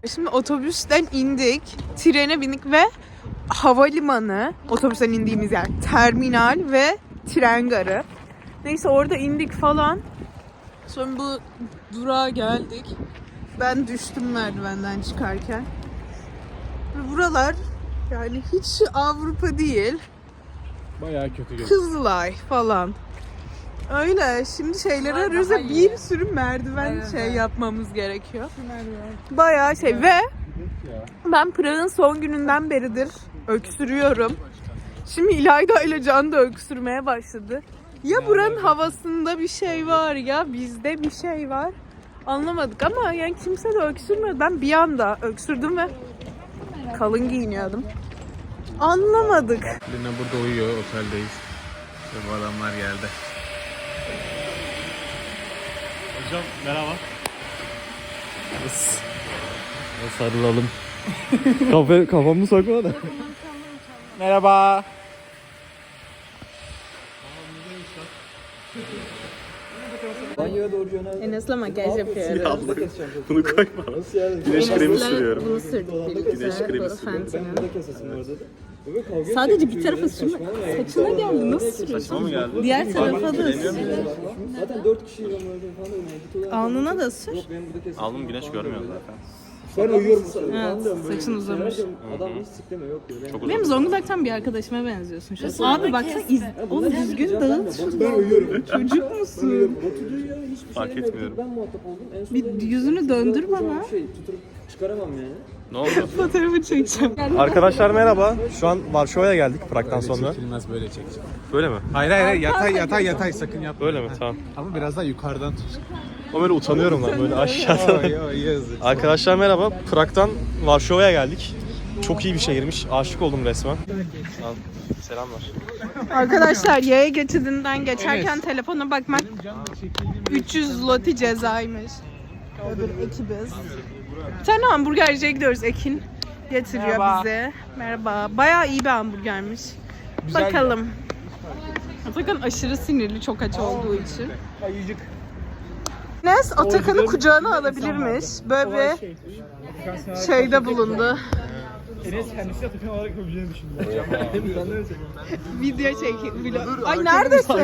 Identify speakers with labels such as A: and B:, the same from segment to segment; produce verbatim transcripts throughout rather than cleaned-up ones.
A: Şimdi otobüsten indik, trene bindik ve havalimanı, otobüsten indiğimiz yer, terminal ve tren garı. Neyse orada indik falan. Sonra bu durağa geldik. Ben düştüm merdivenden çıkarken. Buralar yani hiç Avrupa değil.
B: Bayağı kötü gözüküyor.
A: Kızılay falan. Öyle. Şimdi şeyleri arıyoruz ve bir sürü merdiven
C: Evet,
A: şey
C: evet.
A: yapmamız gerekiyor. Bayağı şey ve ben Prag'ın son gününden beridir öksürüyorum. Şimdi İlayda ile Can da öksürmeye başladı. Ya buranın havasında bir şey var ya bizde bir şey var. Anlamadık ama yani kimse de öksürmüyor. Ben bir anda öksürdüm ve kalın giyiniyordum. Anlamadık.
B: Lina burada uyuyor, oteldeyiz. İşte bu adamlar geldi. Hocam merhaba. Sarılalım. Kafa, kafamı sokma da. Merhaba.
A: Enes'le makyaj yapıyoruz.
B: Bunu koyma. Güneş kremi sürüyorum.
A: Bunu sürdük birlikte.
B: Güneş kremi sürüyorum.
A: Sadece bir tarafa sürme. Saçına geldi. Nasıl sürüyorsun?
B: Saçma mı geldi?
A: Diğer tarafa da sür.
D: Zaten dört kişiyle falan.
A: Alnına da sür.
B: Alnım güneş görmüyor zaten.
D: Ben uyuyorum.
A: Evet, saçın uzamış.
D: Adam hiç sikleme yok diyor.
B: Çok uzun.
A: Benim Zonguldak'tan bir arkadaşıma benziyorsun şu an. Abi baksana iz... Oğlum düzgün dağıt şunu.
D: Ben uyuyorum.
A: Çocuk musun?
D: Batucuğu ya hiçbir
B: Fark
D: şey
B: etmiyorum.
D: Ben muhatap oldum. En son
A: Bir yüzünü döndür bana.
D: şey tutup çıkaramam yani.
B: Ne oldu?
A: Fotoğrafı çekeceğim.
E: Arkadaşlar merhaba. Şu an Varşova'ya geldik Prag'dan sonra.
B: Çekilmez böyle çekeceğim.
E: Böyle mi?
B: Hayır hayır hayır yatay yatay yatay sakın yapma.
E: Böyle mi? Tamam.
B: Ama biraz daha yukarıdan tut.
E: Ama böyle utanıyorum lan böyle aşağıdan.
B: Yo yazık.
E: Arkadaşlar merhaba. Prag'dan Varşova'ya geldik. Çok iyi bir şehirmiş. Aşık oldum resmen. Al, selamlar.
A: Arkadaşlar yaya geçidinden geçerken telefona bakmak üç yüz zloty cezaymış. Öbür ekibiz. Bir tane hamburgerciye gidiyoruz, Ekin getiriyor
C: Merhaba.
A: bize. Merhaba. Bayağı iyi bir hamburgermiş. Bakalım. Atakan aşırı sinirli çok aç olduğu için.
C: Ayıcık.
A: Enes Atakan'ı kucağına alabilirmiş. Böyle bir şeyde bulundu.
C: Enes kendisi Atakan olarak yapabileceğini düşündüm.
A: Video çek. vlog- Ay neredesin?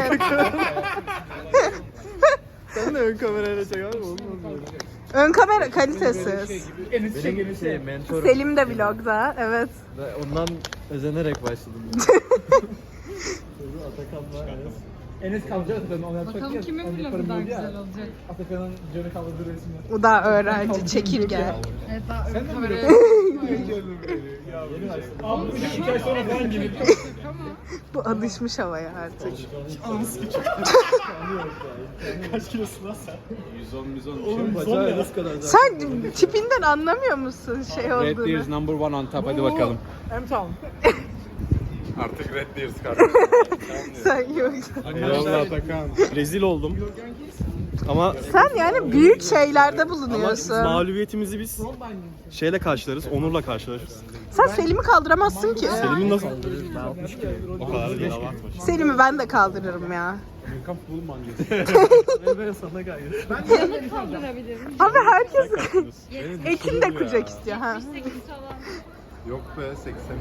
B: Sen de ön kamerayla çek abi olmaz böyle.
A: Ön kamera kalitesiz.
C: Enes çek Enes'i.
B: mentor.
A: Selim de vlogda. Evet.
B: Ondan özenerek başladım.
C: Enes kalacak Atakan'ın onu yapacak. Bakalım kimin vlogu daha güzel olacak. Atakan'ın canı kaldırdığı resimler.
A: O da öğrenci. Çekirge.
C: Sen de mi? Abi iki ay sonra falan gelir.
A: Bu alışmış havaya artık.
C: Kaç kilosun lan sen?
B: yüz on yüz on.
C: Oğlum bacağı nasıl kadar?
A: Sen tipinden anlamıyor musun şey
B: Red
A: olduğunu?
B: Deer's number one on top hadi bakalım.
C: Hem tamam.
B: Artık Red Deer's kardeşim.
A: Sen yok.
B: Eyvallah Atakan.
E: Rezil oldum. Ama
A: Sen yani büyük şeylerde bulunuyorsun.
E: mağlubiyetimizi biz şeyle karşılarız, Onur'la karşılarız.
A: Sen Selim'i kaldıramazsın ki.
E: Selim'in nasıl? O kadar değil abartma.
A: Selim'i ben de kaldırırım ya.
E: Ben sana gayet.
A: Abi herkes Ekin de kucak istiyor ha.
B: Yok be seksen.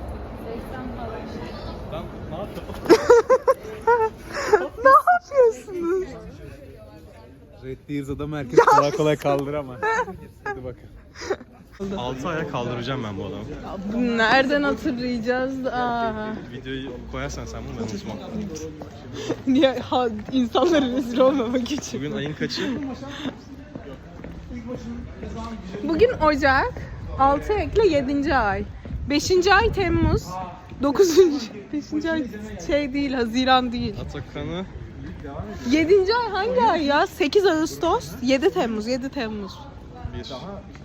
A: Ne yapıyorsunuz?
B: Red Deer's adamı herkes kolay kolay kaldıramaz. Hadi bakın.
E: altı aya kaldıracağım ben bu adamı.
A: Bunu nereden hatırlayacağız? Aa.
E: Videoyu koyarsan sen bunu ben unutmam.
A: Niye ha, insanlara rezil olmamak için?
E: Bugün ayın kaçı?
A: Bugün Ocak, altı ekle yedinci ay. beşinci ay Temmuz, dokuzuncu beşinci ay şey değil, Haziran değil.
E: Atakan'ı
A: yedinci ay hangi ay ya? sekiz Ağustos, yedi Temmuz, yedi Temmuz.
E: bir, iki,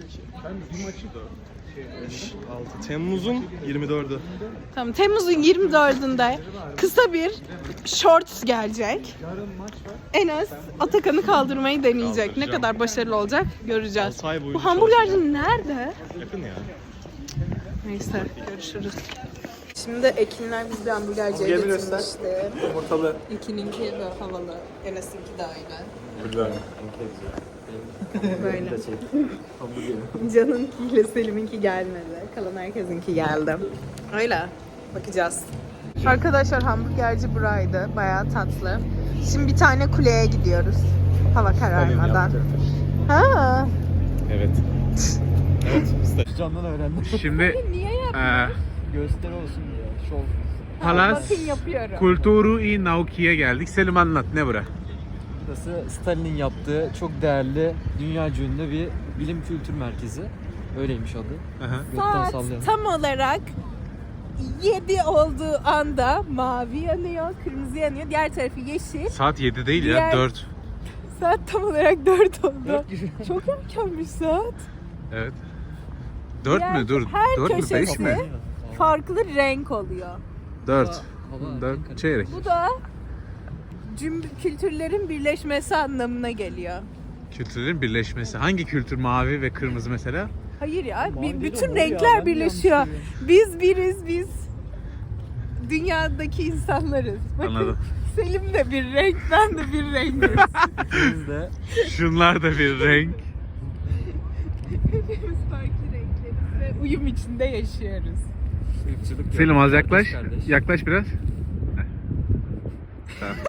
E: beş, altı. Temmuz'un yirmi dördü.
A: Tamam, Temmuz'un yirmi dördünde kısa bir shorts gelecek. Enes Atakan'ı kaldırmayı deneyecek. Ne
E: Kaldıracağım.
A: kadar başarılı olacak göreceğiz.
E: altı ay boyunca
A: Bu hamburgerci nerede?
E: Yakın ya.
A: Neyse, görüşürüz. Şimdi Ekinler biz bir hamburgerciye
B: Hamburgeri göster.
A: getirmişti.
B: Yumurtalı.
A: Ekin'inki de havalı. Enes'inki de öyle.
B: Güzel.
A: Böyle. Can'ınkiyle Selim'inki gelmedi. Kalan herkesinki geldi. Öyle. Bakacağız. Arkadaşlar hamburgerci buraydı. Bayağı tatlı. Şimdi bir tane kuleye gidiyoruz. Hava kararmadan. Ha.
B: Evet.
C: Candan öğrendim.
B: Şimdi
A: Niye yap?
B: e,
C: Gösteri olsun ya. Şov.
B: Palas
A: Bakın yapıyorum.
B: Kulturu i Nauki'ye geldik. Selim anlat ne bura?
F: Burası Stalin'in yaptığı çok değerli, dünyaca ünlü bir bilim kültür merkezi. Öyleymiş adı.
B: Aha.
F: Gökten
A: Saat
F: sallayalım.
A: tam olarak yedi olduğu anda mavi yanıyor, kırmızı yanıyor. Diğer tarafı yeşil.
B: Saat yedi değil
A: Diğer-
B: ya dört.
A: Saat tam olarak dört oldu. Çok erkenmiş saat.
B: Evet. dört
A: Diğer-
B: mü? Dur.
A: her
B: dört mü? beş
A: köşesi-
B: mi?
A: Farklı renk oluyor.
B: dört.
F: Hava-
B: dört çeyrek.
A: Bu da cüm kültürlerin birleşmesi anlamına geliyor.
B: Kültürlerin birleşmesi. Hangi kültür mavi ve kırmızı mesela?
A: Hayır ya,
C: Mavi
A: bir,
C: değil o,
A: bütün
C: mor ya.
A: renkler
C: Ben de
A: birleşiyor.
C: yanlış
A: Biz biriz biz. Dünyadaki insanlarız. Bakın
B: Anladım.
A: Selim de bir renk, ben de bir renk.
F: İkimiz de
B: Şunlar da bir renk.
A: Hepimiz farklı renkleriz ve uyum içinde yaşıyoruz.
F: ırkçılık
B: Selim
F: yok.
B: az yaklaş.
F: Kardeş, kardeş.
B: Yaklaş biraz. Heh. Tamam.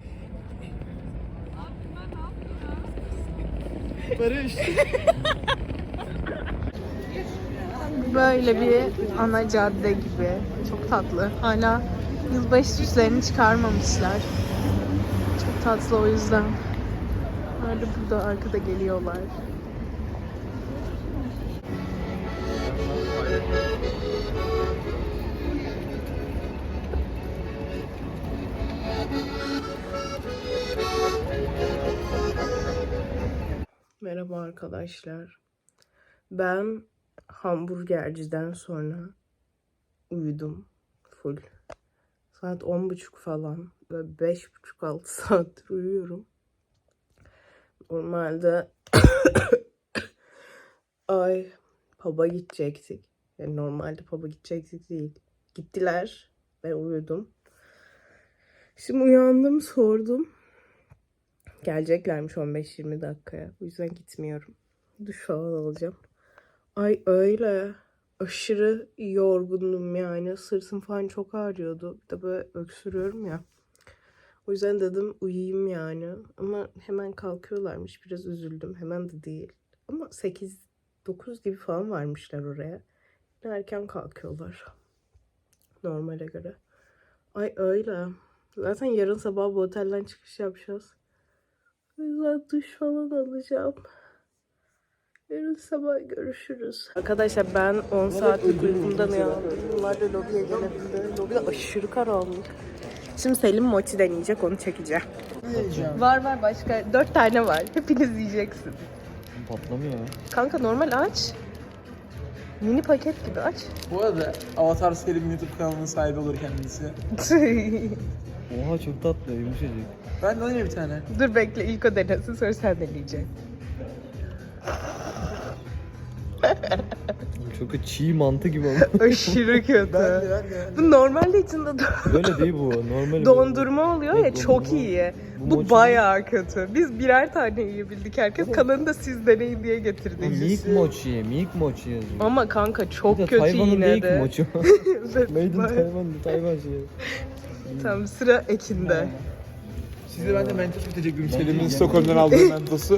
C: Barış.
A: Böyle bir ana cadde gibi. Çok tatlı. Hala yılbaşı süslerini çıkarmamışlar. Çok tatlı o yüzden. Hala burada arkada geliyorlar. Merhaba arkadaşlar. Ben hamburgerciden sonra uyudum full. Saat on buçuk falan. Böyle beş buçuk altı saattir uyuyorum. Normalde ay pub'a gidecektik. Yani normalde pub'a gidecektik değil. Gittiler. Ben uyudum. Şimdi uyandım, sordum. Geleceklermiş on beş yirmi dakikaya. O yüzden gitmiyorum. Duş falan alacağım. Ay öyle. Aşırı yorgundum yani. Sırtım falan çok ağrıyordu. Bir de böyle öksürüyorum ya. O yüzden dedim uyuyayım yani. Ama hemen kalkıyorlarmış. Biraz üzüldüm. Hemen de değil. Ama sekiz dokuz gibi falan varmışlar oraya. Yine erken kalkıyorlar. Normale göre. Ay öyle. Zaten yarın sabah bu otelden çıkış yapacağız. O yüzden duş falan alacağım. Yarın sabah görüşürüz. Arkadaşlar ben on saatlik uykumdan uyandım. Bunlar da lobiye gelebildi. Lobide aşırı karanlık. Şimdi Selim mochi deneyecek, onu çekeceğim. Var var başka. Dört tane var. Hepiniz yiyeceksin.
F: Patlamıyor.
A: Kanka normal aç. Mini paket gibi aç.
C: Bu arada Avatar Selim YouTube kanalının sahibi olur kendisi.
F: Oha çok tatlı, yumuşacık.
C: Ben de alayım bir tane.
A: Dur bekle, ilk o denesin, sonra sen deneyeceksin.
F: Çok çiğ mantı gibi ama.
A: Aşırı kötü.
C: Ben de ben de.
A: Bu normalde içinde do-
F: Böyle değil bu. Normal.
A: dondurma oluyor ya,
F: Yok,
A: çok
F: dondurma.
A: iyi.
F: Bu
A: Bu
F: mochi-
A: bayağı kötü. Biz birer tane yiyebildik. Herkes kalanını da siz deneyin diye getirdik.
F: Milk mochi, milk mochi yazıyor.
A: Ama kanka çok
F: Bir de
A: kötü
F: Tayvan'ın
A: yine
F: değil ki
A: de.
F: mochi.
A: Evet,
F: Made in
A: bayağı-
F: Tayvan, Tayvan şeyi.
A: Tamam, sıra Ekin'de.
C: Size ben de mentos bitecektim. Selim'in Stockholm'dan aldığı mentosu.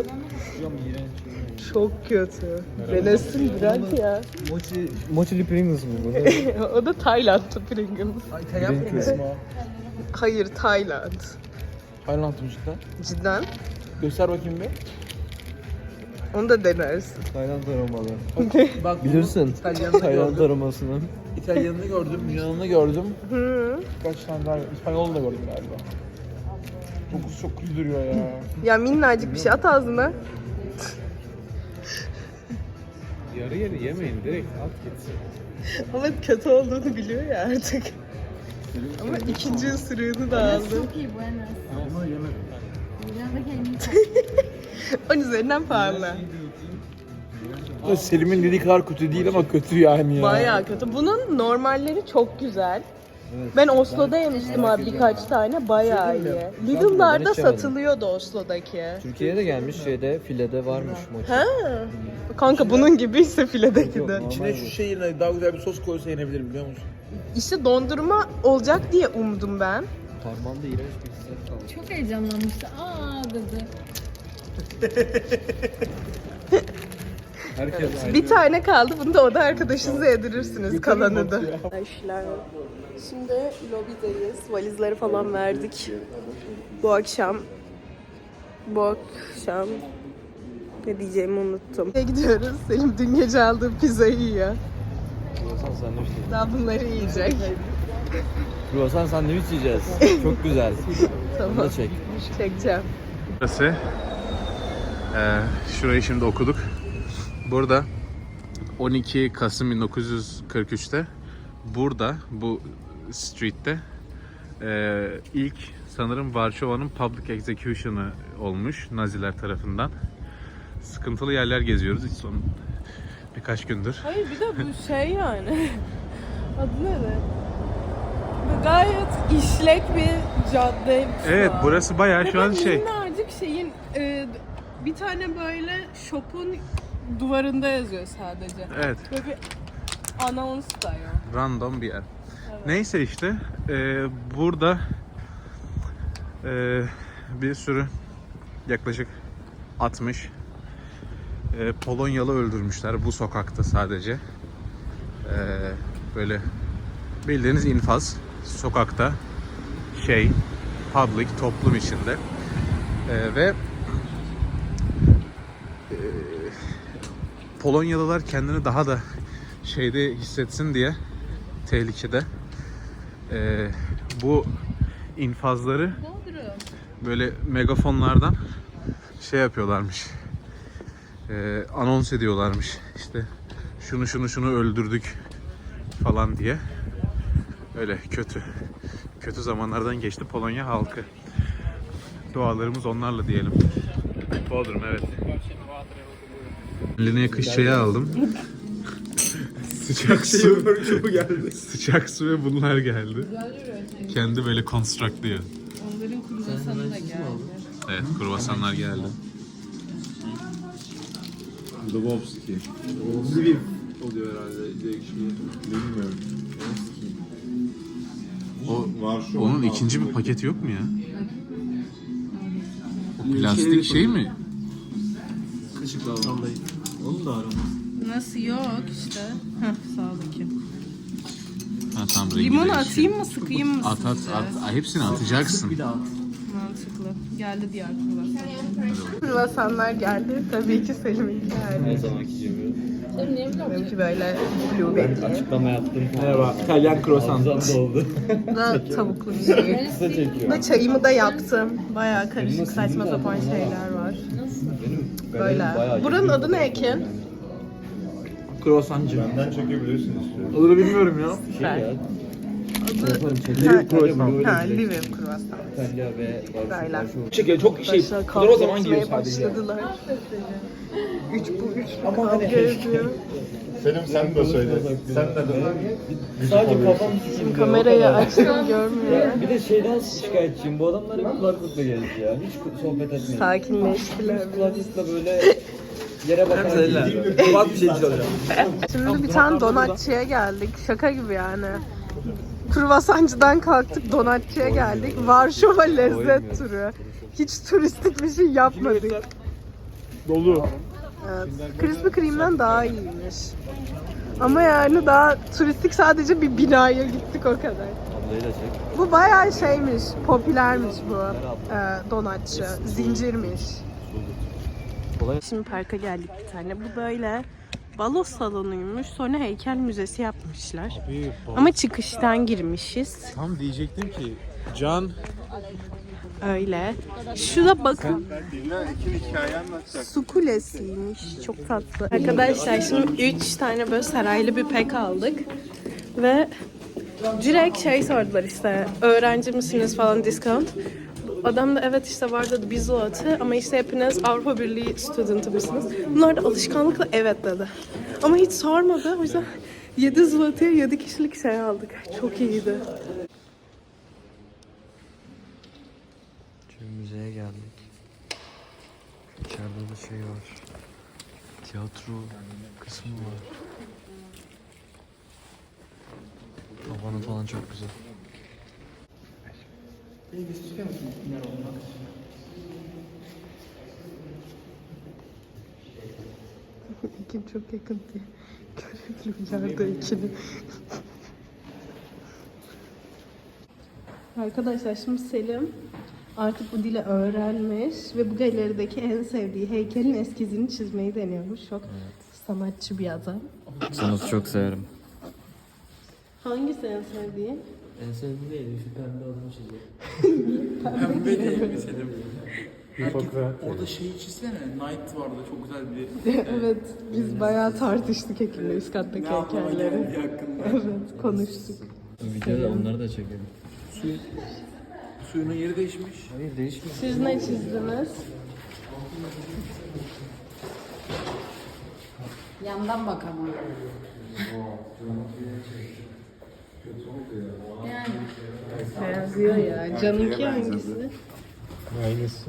A: Çok kötü. Denesin bırak ya.
F: Mochi, mochili Pringles mı bu?
A: O da Tayland'da Pringles.
C: Ay İtalyan Pringles mi o?
A: Hayır, Tayland.
C: Tayland'ım cidden.
A: Cidden.
C: Göster bakayım bir.
A: Onu da denersin.
F: Tayland aromalı.
C: Bak
F: Bilirsin.
C: İtalyanını
F: Tayland
C: gördüm.
F: aromasını.
C: İtalyanını gördüm, Yunan'ını gördüm.
A: Hı.
C: Kaç tane daha İspanyol'u da gördüm galiba. Kokusu çok kötü duruyor ya.
A: Ya minnacık bir şey, at ağzına.
B: Yarı yarı yemeyin. Direkt at gitsin.
A: Ama kötü olduğunu biliyor ya artık. Ama ikinci ısırığını da aldı.
G: Çok iyi bu Enes.
C: Ama yemedim.
G: Yanındaki elini
A: On üzerinden puanla.
C: Selim'in dediği kadar kötü değil ama kötü yani ya.
A: Bayağı kötü. Bunun normalleri çok güzel. Ben Oslo'da yemiştim abi birkaç tane, bayağı iyi. Lidl'larda satılıyordu Oslo'daki.
F: Türkiye'ye de gelmiş, şeyde filede varmış mochi.
A: Ha. Kanka bunun gibiyse filedeki de.
H: İçine şu şey yerine daha güzel bir sos koysa yenebilir biliyor musun?
A: İşte dondurma olacak diye umdum ben.
F: Parmağımda iğrenç bir hissiyat kaldı.
G: Çok heyecanlanmıştı. Aa dedi.
C: Herkes aynı.
A: Bir tane kaldı. Bunu da oda arkadaşınıza yedirirsiniz kalanı da. Arkadaşlar şimdi lobideyiz. Valizleri falan verdik. Bu akşam bu akşam ne diyeceğimi unuttum. Nereye gidiyoruz? Selim dün gece aldığı pizzayı yiyor.
F: Kruvasan sandviç yiyeceğiz.
A: Daha bunları yiyecek.
F: Kruvasan sandviç yiyeceğiz. Çok güzel. Bunu
A: Tamam.
F: da çek.
A: Çekeceğim.
B: Burası. Ee, şurayı şimdi okuduk. Burada on iki Kasım bin dokuz yüz kırk üçte burada bu street'te e, ilk sanırım Varşova'nın public execution'ı olmuş Naziler tarafından. Sıkıntılı yerler geziyoruz hiç son birkaç gündür.
A: Hayır bir de bu şey yani. Adı ne? Bu gayet işlek bir cadde.
B: Evet burası bayağı şu an şey.
A: Minnacık şeyin e, bir tane böyle shop'un duvarında yazıyor sadece.
B: Evet.
A: Böyle bir anons da yok.
B: Random bir yer. Neyse işte e, burada e, bir sürü yaklaşık altmış e, Polonyalı öldürmüşler bu sokakta sadece. E, böyle bildiğiniz infaz sokakta şey public toplum içinde e, ve e, Polonyalılar kendini daha da şeyde hissetsin diye tehlikede e, bu infazları böyle megafonlardan şey yapıyorlarmış, e, anons ediyorlarmış işte şunu şunu şunu öldürdük falan diye. Öyle kötü kötü zamanlardan geçti Polonya halkı. Dualarımız onlarla diyelim. Bodrum evet. Lineye kış çayı aldım. Sıcak su. geldi. Sıcak su ve bunlar geldi. Kendi böyle constructluyor.
A: Onların kruvasanı da geldi.
B: Evet, kruvasanlar geldi.
H: Lvovski. Lviv oluyor herhalde direkt şey. Bilmiyorum.
B: O, onun ikinci bir paketi yok mu ya? O plastik şey mi?
H: Kaşıkla vallahi. Onu da aramam.
A: Nasıl yok işte. Heh sağdaki.
B: Ha, tamam, rengi
A: Limon
B: değişiyor.
A: atayım mı sıkayım mı
B: At at
A: sizce?
B: at. Hepsini atacaksın.
A: Mantıklı. Geldi diğer kruvasanlar. Kruvasanlar geldi. Tabii ki Selim'in geldi.
F: Her zamanki gibi.
G: Sen niye biliyor musun?
A: Benimki böyle blueberry.
F: Açıklama yaptım.
C: Merhaba. İtalyan kruvasan.
F: Hamzam oldu.
A: Da tavuklu bir şey.
F: Kısa çekiyor.
A: Da çayımı da yaptım. Bayağı karışık saçma sapan şeyler var. Böyle. Buranın adı ne Ekin?
C: Kruvasancı.
H: Benden çekebilirsin istiyorum.
C: Adını bilmiyorum ya.
A: Ben.
C: Liv kruvasan.
A: Ha, Livim kruvasan.
F: İtalya ve
A: Böyle.
C: Çekiyor çok şey.
A: Başlar
C: Bunlar
A: kavga
C: o zaman giyiyor
A: etmeye
C: sadece.
A: başladılar. Üç bu üç bu kavga ediyor.
H: Selim sen de söyle. Sen de de.
F: Sadece kafam
A: Şimdi kamerayı açtım görmüyor.
F: Bir de şeyden şikayetçiyim. Bu adamlar hep kulaklıkla geldi ya. Hiç sohbet etmiyor.
A: Sakinleştiler.
F: Kulaklıkla böyle yere bakarak gidiyor.
C: Bak bir şey çalacağım.
A: Şimdi bir tane donatçıya geldik. Şaka gibi yani. Kruvasancıdan kalktık donatçıya geldik. Varşova lezzet turu. Hiç turistik bir şey yapmadık.
C: Dolu.
A: Evet. Krispy Kreme'den daha iyiymiş. Ama yani daha turistik sadece bir binaya gittik o kadar.
F: Ablayı da çek.
A: Bu bayağı şeymiş, popülermiş bu e, donatçı. Zincirmiş.
F: Kolay.
A: Şimdi parka geldik bir tane. Bu böyle balo salonuymuş. Sonra heykel müzesi yapmışlar. Ama çıkıştan girmişiz.
B: Tam diyecektim ki Can
A: Öyle. Şuna bakın. Su kulesiymiş. Çok tatlı. Arkadaşlar şimdi üç tane böyle saraylı bir pek aldık. Ve direkt şey sordular işte. Öğrenci misiniz falan discount. Adam da evet işte var dedi biz o atı ama işte hepiniz Avrupa Birliği student'ı mısınız? Bunlar da alışkanlıkla evet dedi. Ama hiç sormadı. O yüzden yedi zlotya'ya yedi kişilik şey aldık. Çok iyiydi.
F: Şimdi müzeye geldik. İçeride de şey var. Tiyatro kısmı var. Tavanı falan çok güzel.
A: Ekin çok yakın diye. Görebiliyorlar ikini. Arkadaşlar şimdi Selim artık bu dili öğrenmiş ve bu galerideki en sevdiği heykelin eskizini çizmeyi deniyormuş. Çok sanatçı bir adam.
F: Sanatı çok severim.
A: Hangisi en sevdiğin?
F: En sevdiğim değil, şu pembe adamı çiziyor.
C: Pembe değil mi Selim? Orada şeyi çizsene. Night vardı çok güzel bir.
A: Evet, biz bayağı tartıştık Ekim'le üst kattaki heykelleri. Evet, konuştuk.
F: Videoda onları da çekelim.
C: Suyun, suyunun yeri değişmiş.
F: Hayır değişmiyor.
A: Siz ne çizdiniz?
G: Yandan bak ama. Yani.
A: Benziyor ya. Canınki hangisi?
E: Aynısı.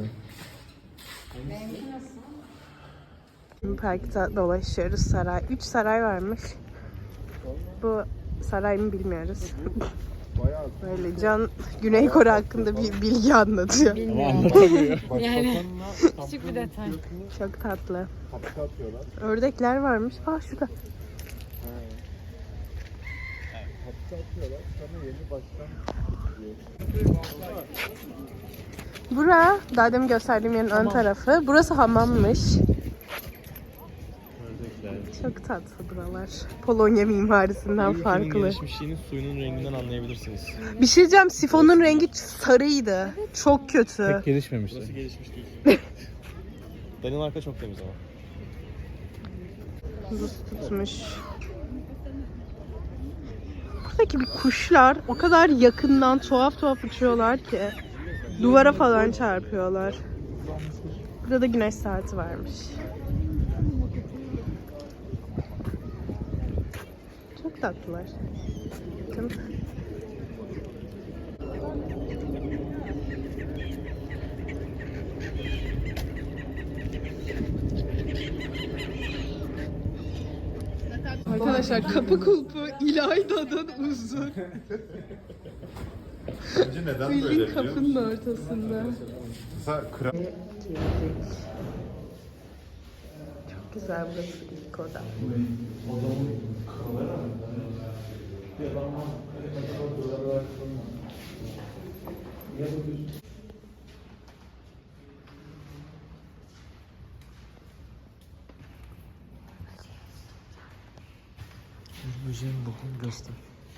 A: Şimdi parkta dolaşıyoruz saray. Üç saray varmış. Bu saray mı bilmiyoruz. Böyle Can Güney Kore hakkında bir bilgi anlatıyor.
G: Yani küçük bir detay.
A: Çok tatlı. Ördekler varmış. Aa şurada. Bura, daha demin gösterdiğim yerin ön tarafı. Burası hamammış. Çok tatlı buralar. Polonya mimarisinden farklı.
E: Gelişmişliğini suyunun renginden anlayabilirsiniz.
A: Bir şey diyeceğim, sifonun rengi sarıydı. Çok kötü.
E: Gelişmemişti. Burası gelişmiş değil. Danimarka çok temiz ama.
A: Buz tutmuş. Buradaki bir kuşlar o kadar yakından tuhaf tuhaf uçuyorlar ki duvara falan çarpıyorlar. Burada da güneş saati varmış. Çok tatlılar. Bakın. Arkadaşlar kapı kulpu İlayda'dan uzun.
B: Bence neden böyle
A: Bildiğin
B: biliyor musun?
A: kapının ortasında.
B: Mesela kral...
A: Çok güzel burası ilk oda.
F: Böceğin bokunu göster.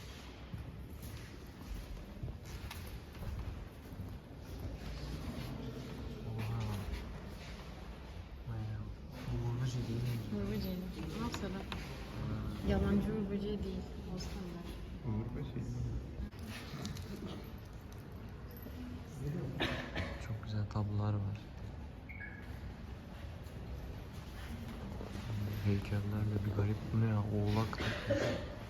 F: Bu böceği değil mi?
G: Uğur böceği. Ne yapsana? Yalancı uğur böceği değil. O standart.
F: Çok güzel tablolar var. Heykeller de bir garip, bu ne ya, oğlak takmış.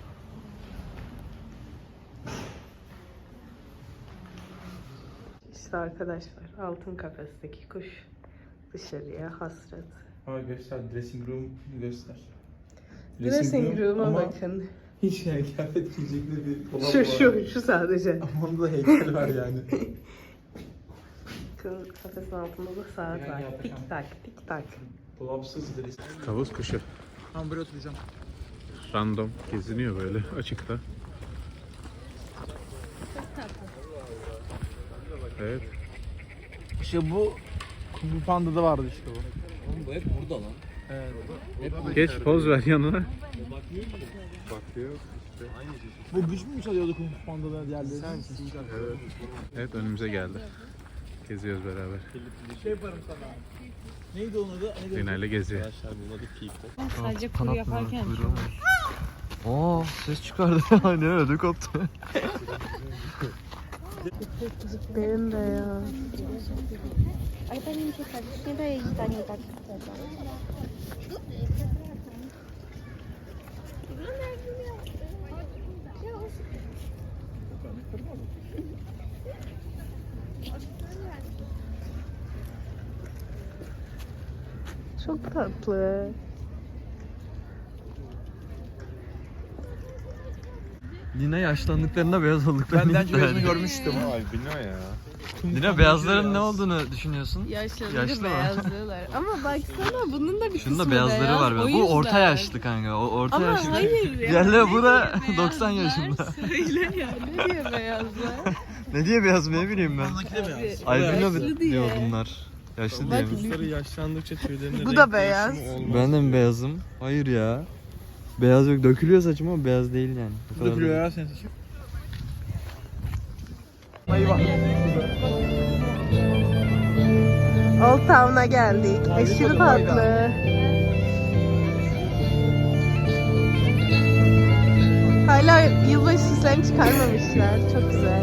A: İşte arkadaşlar altın kafesteki kuş dışarıya hasret.
C: Ha göster. Dressing room göster.
A: Dressing room'a
C: ama
A: bakın.
C: hiç yani kıyafet giyecekli bir dolap
A: Şu
C: var.
A: şu şu sadece.
C: Ama onda da heykel var yani.
A: Bakın kafesin altında da saat var. Tik tak tik tak.
C: Dolapsız dressing.
B: Tavus kuşu.
C: Tamam buraya oturacağım.
B: Random geziniyor böyle açıkta. Evet.
C: İşte bu Kung Fu Panda'da vardı işte bu.
F: Oğlum bu hep burada lan.
C: Evet.
B: Geç poz ver yanına. Bakıyor.
C: Bu güç mü çalıyordu Kung Fu Panda'da diğerleri?
B: Evet. Evet önümüze geldi. Geziyoruz beraber.
C: Şey yaparım sana. Neydi onun adı? Neydi?
B: Zina ile geziyor.
E: Arkadaşlar bunun adı Peep.
G: Sadece kuru yaparken.
F: Aa, ses çıkardı. Ne öyle koptu.
A: Benim de ya. Çok tatlı.
F: Lina yaşlandıklarında beyaz olduklarını
C: Benden
F: iddia
C: gözünü
F: ediyor.
C: görmüştüm.
E: Ay bina ya.
F: Lina beyazların ne olduğunu düşünüyorsun?
A: Yaşlanınca
F: Yaşlı mı?
A: beyazlıyorlar. Ama baksana bunun da bir
F: Şunun da
A: kısmı
F: beyazları
A: beyaz,
F: var.
A: o
F: Böyle. Bu
A: yüzden.
F: orta yaşlı kanka. O orta
A: Ama
F: yaşlı.
A: hayır ya.
F: Diğerleri bu da
A: Ne diyor
F: doksan
A: beyazlar?
F: yaşında.
A: Söyle ya. Ne diyor beyazlar?
F: Ne diye beyaz ne bileyim ben. Albino
A: Yaşlı diye.
F: diyor bunlar. Yaşlı diye mi?
E: Kuşları yaşlandıkça tüylerinde
A: Bu
E: renk
A: da beyaz.
E: değişimi olmaz.
F: Ben de mi beyazım? Hayır ya. Beyaz yok. Dökülüyor saçım ama beyaz değil yani. O kadar
C: Dökülüyor
F: da-
C: ya senin saçın.
A: Old Town'a geldik. Aşırı tatlı. Hala yılbaşı süslerini çıkarmamışlar. Çok güzel.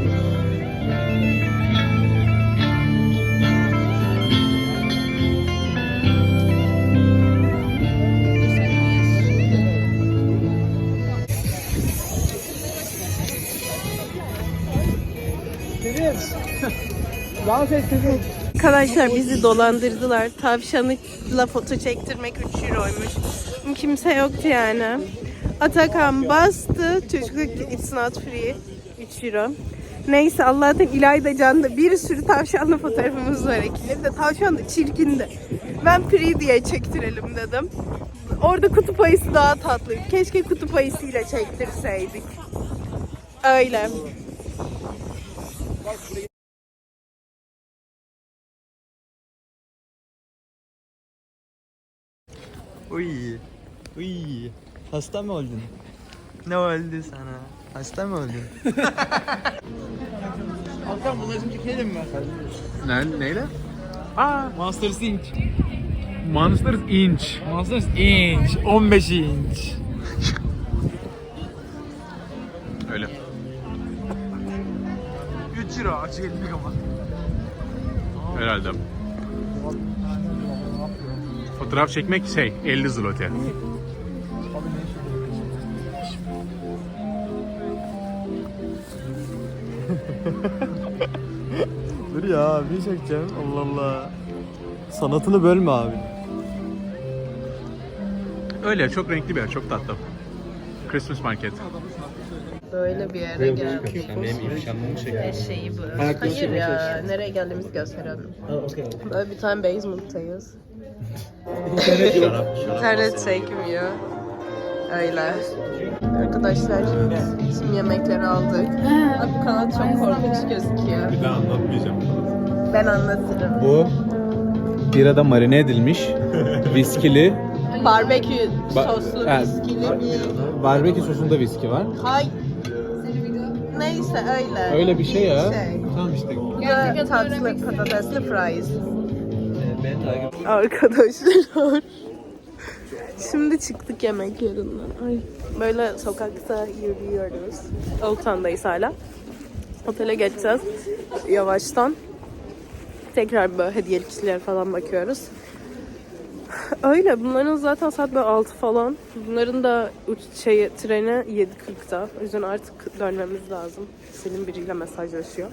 C: Dans ettirdim.
A: Arkadaşlar bizi dolandırdılar. Tavşanla foto çektirmek üç euroymuş. Kimse yoktu yani. Atakan bastı. Çocuk dedi ki it's not free. üç euro. Neyse Allah'tan İlayda Can'da bir sürü tavşanla fotoğrafımız var ekili. De tavşan da çirkindi. Ben free diye çektirelim dedim. Orada kutup ayısı daha tatlıydı. Keşke kutup ayısıyla çektirseydik. Öyle.
F: Uy. Uy. Hasta mı oldun? Ne oldu sana? Hasta mı oldun?
C: Altan bunları şimdi çekelim mi?
B: Ne, neyle?
C: Monsters Inc.
B: Monsters Inch.
C: Monsters Inch. on beş inç.
B: Öyle.
C: üç euro. Açık elli ama.
B: Herhalde. Fotoğraf çekmek şey elli zloty.
F: Dur ya bir çekeceğim. Allah Allah. Sanatını bölme abi.
B: Öyle çok renkli bir yer, çok tatlı. Christmas market.
A: Böyle bir yere geldik.
E: Benim ifşamımı çekiyor.
A: Eşeği bu. Hayır ya, nereye geldiğimizi gösterelim. Böyle bir tane basement'tayız. İnternet çekmiyor. Öyle. Arkadaşlar şimdi yemekleri aldık. Abi bu kanat çok korkunç gözüküyor.
E: Bir daha anlatmayacağım.
A: Ben anlatırım.
H: Bu birada marine edilmiş viskili,
A: Barbekü
H: Ba-
A: soslu
H: evet.
A: viskili bir...
H: barbekü sosunda viski var.
A: Hay... Neyse öyle.
H: Öyle bir şey ya.
A: Şey.
H: Tamam işte.
A: Ve tatlı patatesli fries. Arkadaşlar. Şimdi çıktık yemek yerinden. Ay. Böyle sokakta yürüyoruz. Old Town'dayız hala. Otele geçeceğiz. Yavaştan. Tekrar böyle hediyelikçiler falan bakıyoruz. Öyle. Bunların zaten saat böyle altı falan. Bunların da uç şey, treni yedi kırkta. O yüzden artık dönmemiz lazım. Selim biriyle mesajlaşıyor.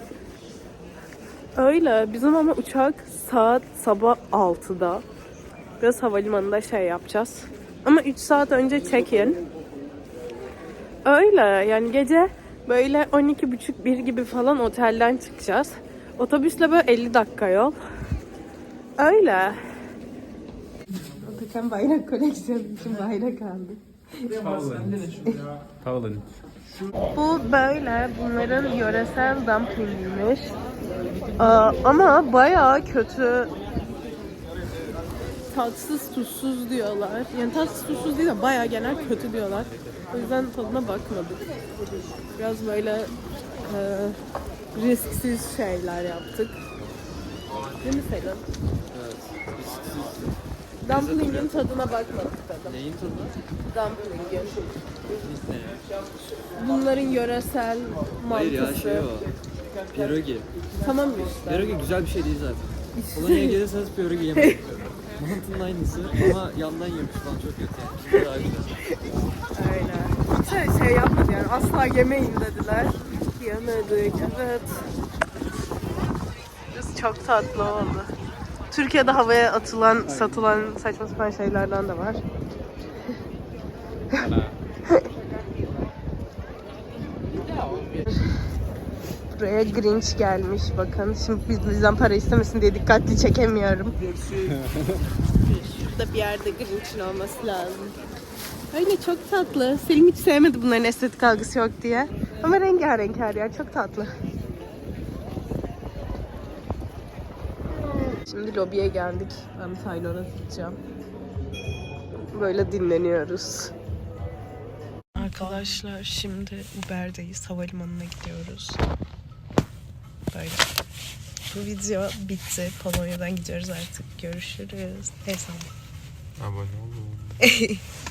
A: Öyle. Bizim ama uçak saat sabah altıda. Biraz havalimanında şey yapacağız. Ama üç saat önce check-in. Öyle. Yani gece böyle on iki buçuk bir gibi falan otelden çıkacağız. Otobüsle böyle elli dakika yol. Öyle. Atakan bayrak koleksiyonu için bayrak aldı.
B: Paulin.
A: Bu böyle bunların yöresel dumplingiymiş. Aa, ama bayağı kötü. Tatsız tuzsuz diyorlar. Yani tatsız tuzsuz değil de bayağı genel kötü diyorlar. O yüzden tadına bakmadık. Biraz böyle e, risksiz şeyler yaptık. Değil mi Selim?
F: Evet.
A: Dumpling'in tadına bakmadık tadım.
F: Neyin tadı?
A: Dumpling'in.
F: Ne?
A: Bunların yöresel
F: Hayır
A: mantısı.
F: ya şey o. Pierogi.
A: Tamam işte.
F: Pierogi güzel bir şey değil zaten. Polonya'ya gelirseniz pierogi yemeyin. Mantının aynısı ama yandan yemiş falan çok kötü yani. Şimdi daha güzel.
A: Öyle. kimse şey yapmadı yani asla yemeyin dediler. Yemedik evet. Burası çok tatlı oldu. Türkiye'de havaya atılan, satılan saçma sapan şeylerden de var. Buraya Grinch gelmiş bakın. Şimdi biz bizden para istemesin diye dikkatli çekemiyorum. Şurada bir yerde Grinch'in olması lazım. Öyle çok tatlı. Selim hiç sevmedi bunların estetik algısı yok diye. Ama rengarenk her yer. Çok tatlı. Şimdi lobiye geldik. Ben Taylor'a gideceğim. Böyle dinleniyoruz. Arkadaşlar şimdi Uber'deyiz. Havalimanına gidiyoruz. Böyle. Bu video bitti. Polonya'dan gidiyoruz artık. Görüşürüz. Neyse.
B: Abone olun.